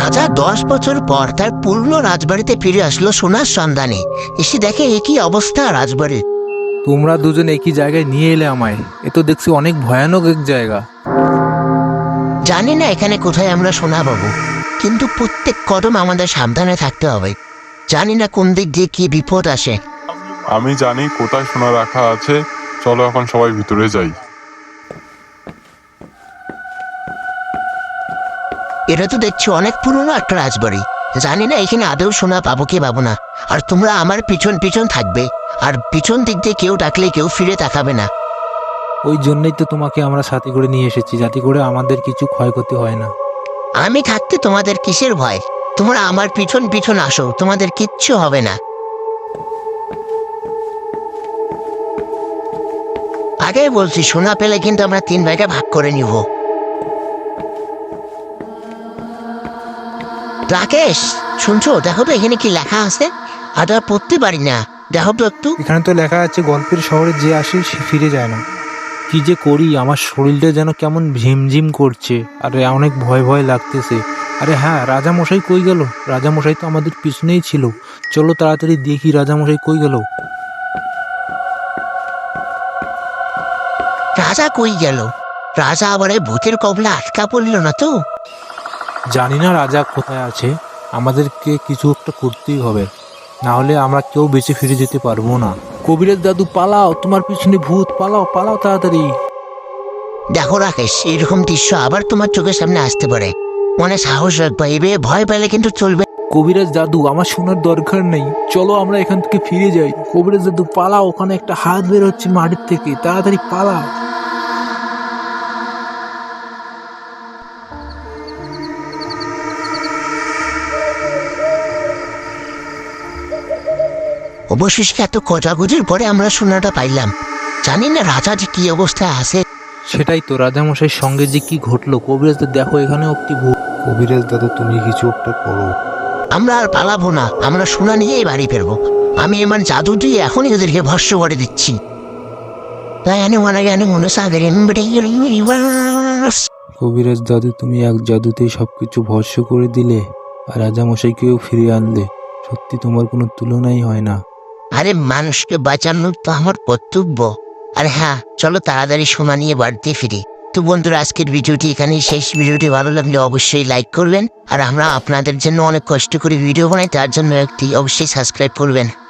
রাজা 10 বছর পর তার পূর্ণ রাজবাড়িতে ফিরে আসলো সোনার সন্ধানে। এসে দেখে একই অবস্থা রাজবাড়ির। তোমরা দুজন একই জায়গায় নিয়ে এলে আমায়। এ তো দেখছি অনেক ভয়ানক এক জায়গা। জানি না এখানে কোথায় আমরা সোনা পাবো, কিন্তু প্রত্যেক কদম আমাদের সাবধানে থাকতে হবে। জানি না কোন দিক দিয়ে কি বিপদ আসে। আমি জানি কোথায় সোনা রাখা আছে। চলো এখন সবাই ভিতরে যাই। এটা তো দেখছি অনেক পুরনো একটা রাজবাড়ি। জানি না এখানে আদৌ সোনা পাবো কি পাবো না। আর তোমরা আমার পিছন পিছন থাকবে, আর পিছন দিক দিয়ে কেউ ডাকলে কেউ ফিরে তাকাবে না। ওই জন্যই তো তোমাকে আমরা সাথে করে নিয়ে এসেছি, যাতে করে আমাদের কিছু ক্ষয়ক্ষতি হয় না। আমি থাকতে তোমাদের কিসের ভয়? তোমরা আমার পিছন পিছন আসো, তোমাদের কিচ্ছু হবে না। আগে বলছি, সোনা পেলে কিন্তু আমরা 3 ভাগে ভাগ করে নিব। রাকেশ, শুনছো? দেখো তো এখানে কি লেখা আছে। আর পড়তে পারি না, দেখো তো একটু। এখানে তো লেখা আছে, গল্পের শহরে যে আসে সে ফিরে যায় না। কি যে করি, আমার শরীরটা যেন কেমন ঝিমঝিম করছে, আর অনেক ভয় ভয় লাগতেছে। আরে হ্যাঁ, রাজামশাই কই গেল? রাজামশাই তো আমাদের পিছনেই ছিল। চলো তাড়াতাড়ি দেখি রাজামশাই কই গেল। রাজা কই গেল? রাজা আবার এই ভূতের কবলে আটকা পড়ল না তো? জানি না রাজা কোথায় আছে। আমাদেরকে কিছু একটা করতেই হবে, না হলে আমরা কেউ বেঁচে ফিরে যেতে পারবো না। কবিরাজ দাদু পালাও, তোমার পিছনে ভূত, পালাও পালাও তাড়াতাড়ি। দেখো রাকেশ, এরকম দৃশ্য আবার তোমার চোখের সামনে আসতে পারে। মনে সাহস রাখবা, এবে ভয় পেলে কিন্তু চলবে। কবিরাজ দাদু, আমার শোনার দরকার নেই, চলো আমরা এখান থেকে ফিরে যাই। কবিরাজ দাদু পালাও, ওখানে একটা হাত বের হচ্ছে মাটির থেকে, তাড়াতাড়ি পালাও। অবশেষে এত খোঁজাখুঁজির পরে আমরা সোনাটা পাইলাম। জানি না রাজা যে কি অবস্থায় আছে। সেটাই তো, রাজামশাইয়ের সঙ্গে যে কি ঘটলো। কবিরাজ দাদু দেখো, এখানেও একটি ভূত। কবিরাজ দাদু, তুমি কিছু একটা করো। আমরা আর পালাবো না, আমরা সোনা নিয়েই বাড়ি ফিরবো। আমি এমন জাদু দিয়ে এখনই ওদেরকে ভস্য করে দিচ্ছি। কবিরাজ দাদু, তুমি এক জাদুতেই সবকিছু ভস্য করে দিলে, আর রাজামশাইকেও ফিরিয়ে আনলে। সত্যি তোমার কোনো তুলনাই হয় না। আরে মানুষকে বাঁচানো তো আমার কর্তব্য। আর হ্যাঁ, চলো তাড়াতাড়ি সোনা নিয়ে বাড়িতে ফিরি। তো বন্ধুরা, আজকের ভিডিওটি এখানেই শেষ। ভিডিওটি ভালো লাগলে অবশ্যই লাইক করবেন, আর আমরা আপনাদের জন্য অনেক কষ্ট করে ভিডিও বানাই, তার জন্য একটি অবশ্যই সাবস্ক্রাইব করবেন।